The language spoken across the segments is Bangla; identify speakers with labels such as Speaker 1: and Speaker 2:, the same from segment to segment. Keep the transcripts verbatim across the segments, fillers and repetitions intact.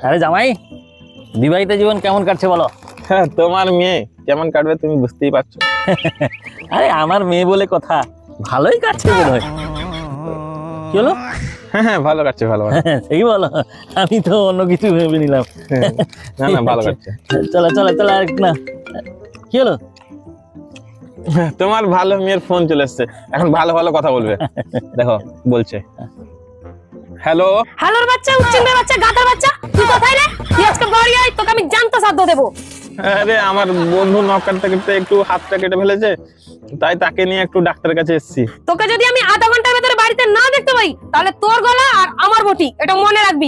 Speaker 1: আরে জামাই, বিবাহিত জীবন কেমন কাটছে বলো?
Speaker 2: হ্যাঁ, তোমার মেয়ে কেমন কাটবে তুমি বুঝতেই পারছো।
Speaker 1: আরে আমার মেয়ে বলে কথা, ভালোই কাটছে বোধ হয়। কি হলো?
Speaker 2: হ্যাঁ হ্যাঁ ভালো কাটছে, ভালো কাটছে।
Speaker 1: সেই বলো, আমি তো অন্য কিছু ভেবে নিলাম।
Speaker 2: না না ভালো কাটছে।
Speaker 1: চলো চলো চলো, আর না কি হলো?
Speaker 2: তোমার ভালো মেয়ের ফোন চলে এসছে, এখন ভালো ভালো কথা বলবে। দেখো বলছে, হ্যালো।
Speaker 3: হ্যালোর বাচ্চা, উচ্চিংড়ের বাচ্চা, গাধার বাচ্চা, তুই কোথায় রে? তুই আজকে বাড়ি আয়, তোকে আমি জানতো সাধ্য দেবো।
Speaker 2: আরে আমার বন্ধু নখ কাটতে কাটতে একটু হাতটা কেটে ফেলেছে, তাই তাকে নিয়ে একটু ডাক্তারের কাছে এসেছি।
Speaker 3: তোকে যদি আমি আধা ঘন্টার ভেতরে বাড়িতে না দেখতে পাই, তাহলে তোর গলা আর আমার বটি, এটা মনে রাখবি।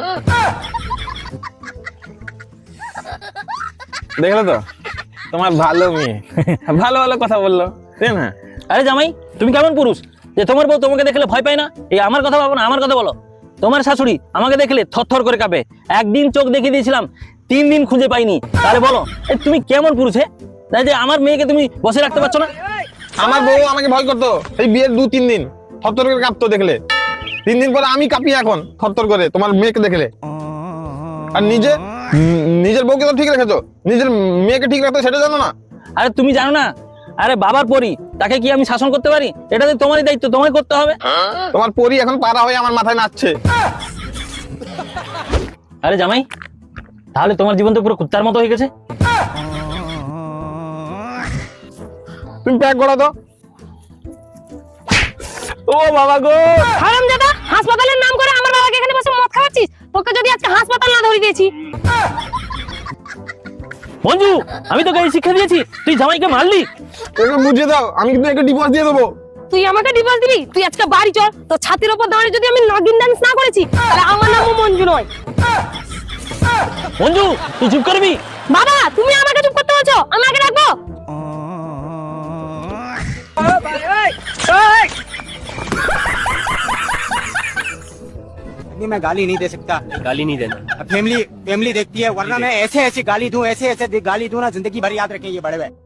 Speaker 2: দেখলে তো তোমার ভালো মেয়ে ভালো ভালো কথা বললো, তাই না?
Speaker 1: আরে জামাই, তুমি কেমন পুরুষ যে তোমার বউ তোমাকে দেখলে ভয় পায় না? এই আমার কথা ভাবো না, আমার কথা বলো। তোমার শাশুড়ি আমাকে দেখলে থরথর করে কাঁপে। একদিন চোখ দেখিয়ে দিয়েছিলাম, তিন দিন খুঁজে পাইনি। তাহলে বলো এই তুমি কেমন পুরুষ? হে, তাই যে আমার মেয়েকে তুমি বসে রাখতে পারছো না?
Speaker 2: আমার বউ আমাকে ভয় করতো এই বিয়ের দু তিন দিন, থরথর করে কাঁপতো দেখলে। তিন দিন পরে আমি কাঁপি এখন থরথর করে তোমার মেয়েকে দেখলে। আর নিজে উম, নিজের বউকে তো ঠিক রেখেছো, নিজের মেয়েকে ঠিক রাখতে সেটা জানো না?
Speaker 1: আরে তুমি জানো না, আরে বাবার পরি, তাকে কি আমি শাসন করতে পারি? এটা তো তোমারই দায়িত্ব, তোমায় করতে হবে।
Speaker 2: তোমার পরি এখন পাড়া হয়ে আমার মাথায় নাচছে।
Speaker 1: আরে জামাই, তাহলে তোমার জীবন তো পুরো কুত্তার মতো হয়ে গেছে।
Speaker 2: তুমি প্যাক করো তো। ও বাবা গো,
Speaker 3: হারামজাদা, হাসপাতালের নাম করে আমার বাবাকে এখানে বসে মদ খাওয়াচ্ছিস। তোকে যদি আজকে হাসপাতাল না ধরে দিয়েছি।
Speaker 1: মঞ্জু, আমি তোকে এই শিক্ষা দিয়েছি, তুই জামাইকে মারলি।
Speaker 2: একটু বুঝিয়ে দাও, আমি কিন্তু একটা ডিভোর্স দিয়ে দেবো।
Speaker 3: তুই আমাকে ডিভোর্স দিবি? তুই আজকে বাড়ি চল। তো ছাতির উপর দাঁড়িয়ে যদি আমি নাগিন ডান্স না করেছি, তাহলে আমার নামও মঞ্জু নয়।
Speaker 1: মঞ্জু, তুই চুপ করবি?
Speaker 3: বাবা, তুমি আমাকে চুপ করতে বলছো, আমি আগে রাখবো।
Speaker 4: नहीं, मैं गाली नहीं दे सकता।
Speaker 1: গালি নি দেন।
Speaker 4: फैमिली फैमिली देखती है, वरना मैं ऐसे ऐसे गाली दूं, ऐसे ऐसे दे- गाली दूं ना, जिंदगी भर याद रखें ये बड़े भाई।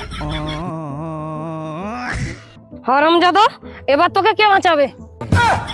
Speaker 3: হারামজাদা, এবার তোকে কে বাঁচাবে?